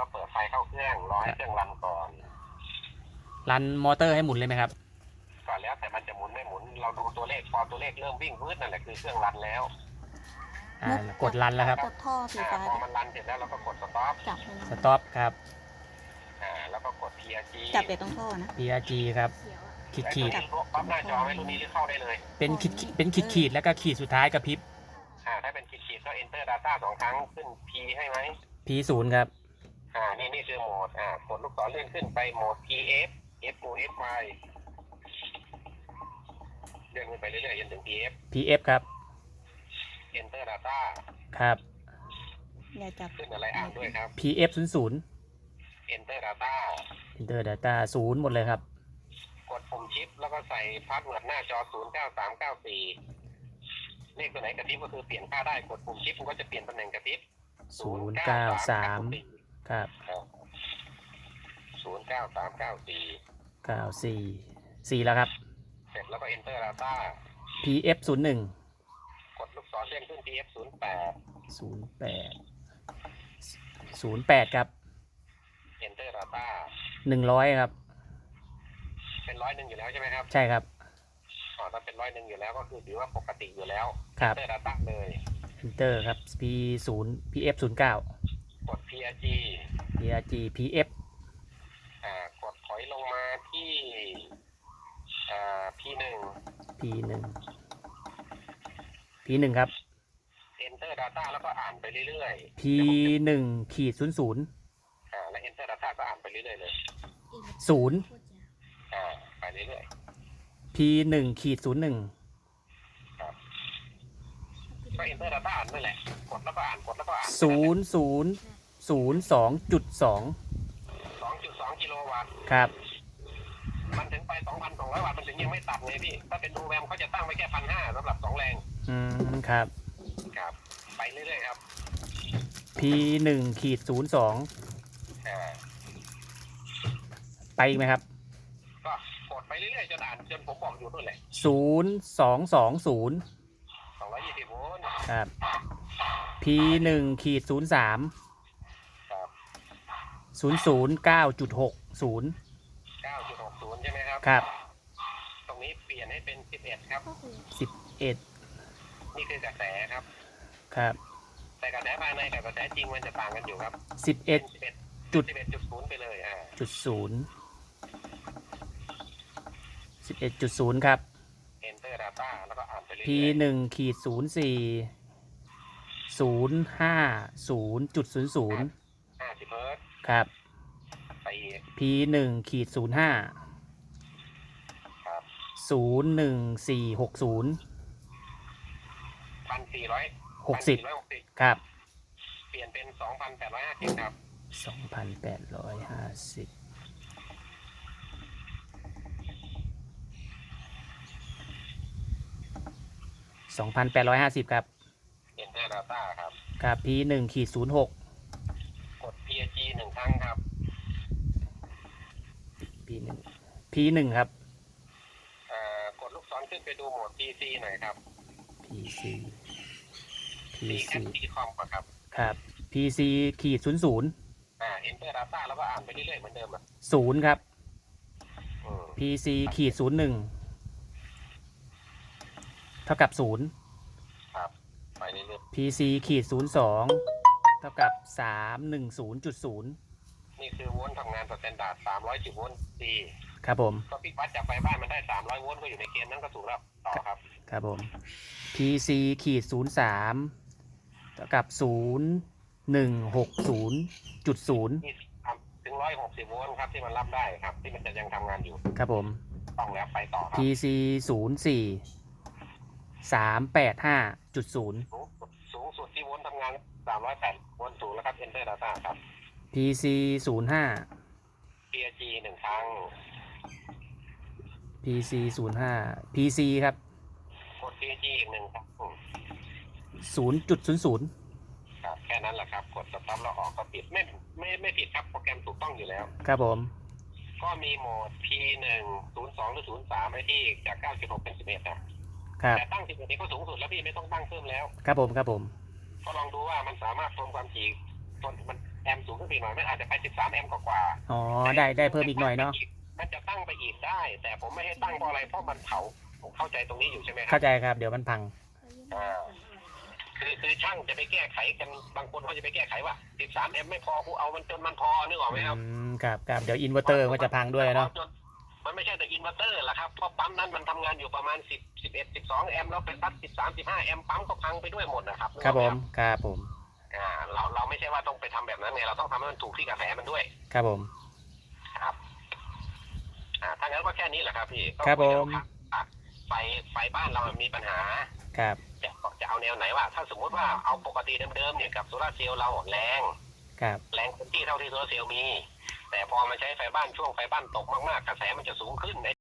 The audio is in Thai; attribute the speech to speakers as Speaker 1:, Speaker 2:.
Speaker 1: ก็เปิดไฟเข้าเครื่องรอให้เครื่องรันก่อน
Speaker 2: รันมอเตอร์ให้หมุนเลยไหมครับ
Speaker 1: ก่อนแล้วแต่มันจะหมุนไม่หมุนเราดูตัวเลขพอตัวเลขเริ่มวิ่งวืดนั่นแหละคือเครื่องรันแล้ว
Speaker 2: กดรันแล้วครับ
Speaker 3: กดท่อสีฟ้า
Speaker 1: พอมันรันเสร็จแล้วเราก็กดสต็อป
Speaker 3: จับเลย
Speaker 2: สต็อปครับ
Speaker 1: แล้วก็กด PRG
Speaker 3: จับเด็กตรงท่อนะ
Speaker 2: PRG ครับขีด
Speaker 1: ปั๊บหน้าจอไม่รู้นี้หรือเข้าได้เลย
Speaker 2: เป็นขีดแล้วก็ขีดสุดท้ายกับพริบ
Speaker 1: ถ้าเป็นขีดก็ enter data 2 ครั้งขึ้น P ให้ไหม
Speaker 2: P0 ครับ
Speaker 1: นี่คือโหมดกดลูกศรเลื่อนขึ้นไปโหมด PF F โหมด FY เลื่อนขึ้นไปเรื่อยๆจนถึง
Speaker 2: PF ครับ
Speaker 1: enter data
Speaker 2: ครับ
Speaker 3: อย่าจับ
Speaker 1: ขึ้นอะไรอ่านด้วยครับ
Speaker 2: PF00
Speaker 1: enter data
Speaker 2: Enter Data 0หมดเลยครับ
Speaker 1: กดปุ่มชิปแล้วก็ใส่พาสเวิร์ดหน้าจอ09394เลขตัวไหนกระพริบก็คือเปลี่ยนค่าได้กดปุ่มชิปมันก็จะเปลี่ยนตำแหน่งกระพริบ
Speaker 2: 093ครับ
Speaker 1: 09394
Speaker 2: 94แล้วครับ
Speaker 1: เสร็จแล้วก็ enter data
Speaker 2: PF01
Speaker 1: กดลูกศรเลื่อนขึ้น
Speaker 2: 08ครับ
Speaker 1: enter data
Speaker 2: 100ครับ
Speaker 1: เป็น100อยู่แล้วใช่ไหมครับ
Speaker 2: ใช่ครับ
Speaker 1: ถ้าเป็น100อยู่แล้วก็คือถือว่าปกติอยู่แล้ว
Speaker 2: ครับ
Speaker 1: enter data เลย
Speaker 2: Enter ครับ PF09
Speaker 1: กด PRG
Speaker 2: PF
Speaker 1: กดถอยลงมาที่P1
Speaker 2: ครับ
Speaker 1: enter data แล้วก็อ่านไปเรื่อยๆ
Speaker 2: P1 ขีด00
Speaker 1: และ enter data ก็อ่านไปเรื่อยๆเลย
Speaker 2: 0
Speaker 1: ไปเรื่อย
Speaker 2: P1 ขีด01
Speaker 1: ๆครับก็ enter data อ่านนั่นแหละกดแล้วก็อ่านกดแล้วก็อ่าน
Speaker 2: 0002.2
Speaker 1: 2.2 กิโลวัตต์
Speaker 2: ครับ
Speaker 1: มันถึงไป 2,200 วัตต์มันถึงยังไม่ตัดไงพี่ถ้าเป็นดูแวมเขาจะตั้งไว้แค่ 1,500 สำหรับ2 แรง
Speaker 2: ครับ
Speaker 1: ไปเรื่อยๆครับ
Speaker 2: P1 ขีด02ไปอีกไหมครับ
Speaker 1: ก็กดไปเรื่อยๆจนอ่านจนผมบอกอยู่นู่นแหละ
Speaker 2: 0220
Speaker 1: 220 โวลต์
Speaker 2: ครับ P1 ขีด03
Speaker 1: ครับ
Speaker 2: 009.60
Speaker 1: 9.60ใช่ไหมครับ
Speaker 2: ครับ
Speaker 1: ตรงนี้เปลี่ยนให้เป็น11ครับ
Speaker 2: 11
Speaker 1: นี่คือกระแสครับ
Speaker 2: ครับ
Speaker 1: แต่กระแสภายในกับกระแสจริงมันจะต่างกันอยู่ครับ
Speaker 2: 11.0
Speaker 1: ไปเลย
Speaker 2: 11.0ครับ
Speaker 1: enter data แล้วก็อ่านไปเรื่อย
Speaker 2: P1 ขีด04 050.00
Speaker 1: 50 เฮิร์ตซ์
Speaker 2: ครับ
Speaker 1: ไป
Speaker 2: P1 ขีด05
Speaker 1: ครับ
Speaker 2: 01460
Speaker 1: 1,460
Speaker 2: ครับ
Speaker 1: เปลี่ยนเป็น 2,850 ครับ
Speaker 2: 2,850 2,850ครับ
Speaker 1: enter data ครับ
Speaker 2: ครับ P1 ขีด06
Speaker 1: กด PRG 1 ครั้งครับ
Speaker 2: P1 ครับ
Speaker 1: กดลูกศรขึ้นไปดูโหมด PC หน่อยครับ
Speaker 2: PC
Speaker 1: คอมครับ
Speaker 2: ครับ PC ขีด00
Speaker 1: enter data แล้วก็อ่านไปเรื่อยๆเหมือนเดิม
Speaker 2: 0ครับ PC ขีด01เท่ากับ0
Speaker 1: ครับไปเรื่อย
Speaker 2: ๆ PC ขีด02เท่ากับ310.0
Speaker 1: นี่คือโวลต์ทำงานสแตนดาร์ด310 โวลต์ดี
Speaker 2: ครับผม
Speaker 1: ก็พี่วัดจากไฟบ้านมันได้300 โวลต์ก็อยู่ในเกณฑ์นั้นก็ถูกแล้วต่อครับ
Speaker 2: ครับผม PC ขีด03เท่ากับ0160.0
Speaker 1: ถึง160 โวลต์ครับที่มันรับได้ครับที่มันจะยังทำงานอยู่
Speaker 2: ครับผม
Speaker 1: ต้องแล้วไปต่อครับ
Speaker 2: PC 04 385.0
Speaker 1: สูงสุดที่โวลต์ทำงาน308 โวลต์สูงแล้วครับ enter data ครับ
Speaker 2: PC 05
Speaker 1: PRG 1 ครั้ง
Speaker 2: PC 05 PC ครับ
Speaker 1: กด PRG อีก1 ครั้ง
Speaker 2: 0.00
Speaker 1: ครับแค่นั้นแหละครับกดสต็อปแล้วออกก็ปิดไม่ผิดครับโปรแกรมถูกต้องอยู่แล้ว
Speaker 2: ครับผม
Speaker 1: ก็มีโหมด P1 02 หรือ 03ไอ้ที่จาก 96 เป็น 11
Speaker 2: นะครับ
Speaker 1: แต่ตั้ง 11นี้ก็สูงสุดแล้วพี่ไม่ต้องตั้งเพิ่มแล้ว
Speaker 2: ครับผม
Speaker 1: ก็ลองดูว่ามันสามารถทนความถี่ทนมันแอมป์สูงขึ้นไปหน่อยมันอาจจะไป13 แอมป์กว่า
Speaker 2: อ๋อได้เพิ่มอีกหน่อยเนาะ
Speaker 1: มันจะตั้งไปอีกได้ แต่ผมไม่ให้ตั้งเพราะอะไรเพราะมันเผาผมเข้าใจตรงนี้อยู่ใช่ไหมครั
Speaker 2: เข้าใจครับเดี๋ยวมันพัง
Speaker 1: อ่าคือช่างจะไปแก้ไขกันบางคนเขาจะไปแก้ไขว่า13 แอมป์ไม่พอกูเอามันจนมันพอนึกออกไหมครับ
Speaker 2: ครับเดี๋ยวอินเวอร์เตอร์ก็จะพังด้วยเนาะ
Speaker 1: มันไม่ใช่แต่อินเวอร์เตอร์แหละครับเพราะปั๊มนั้นมันทำงานอยู่ประมาณ10 11 12 แอมป์แล้วไปตัด13 15 แอมป์ปั๊มก็พังไปด้วยหมดนะครับ
Speaker 2: ครับผม
Speaker 1: เราไม่ใช่ว่าต้องไปทำแบบนั้นไงเราต้องทำให้มันถูกที่กระแสมันด้วย
Speaker 2: ครับผม
Speaker 1: ครับถ้างั้นก็แค่นี้แหละครับพี่
Speaker 2: ครับผม
Speaker 1: ไฟบ้านเรามีปัญหา
Speaker 2: ครับ
Speaker 1: จะเอาแนวไหนว่าถ้าสมมติว่าเอาปกติเดิมๆเนี่ยกับโซลาร์เซลล์เราแรง
Speaker 2: ครับ
Speaker 1: เต็มที่เท่าที่โซลาร์เซลล์มี แต่พอมาใช้ไฟบ้านช่วงไฟบ้านตกมากๆกระแสมันจะสูงขึ้น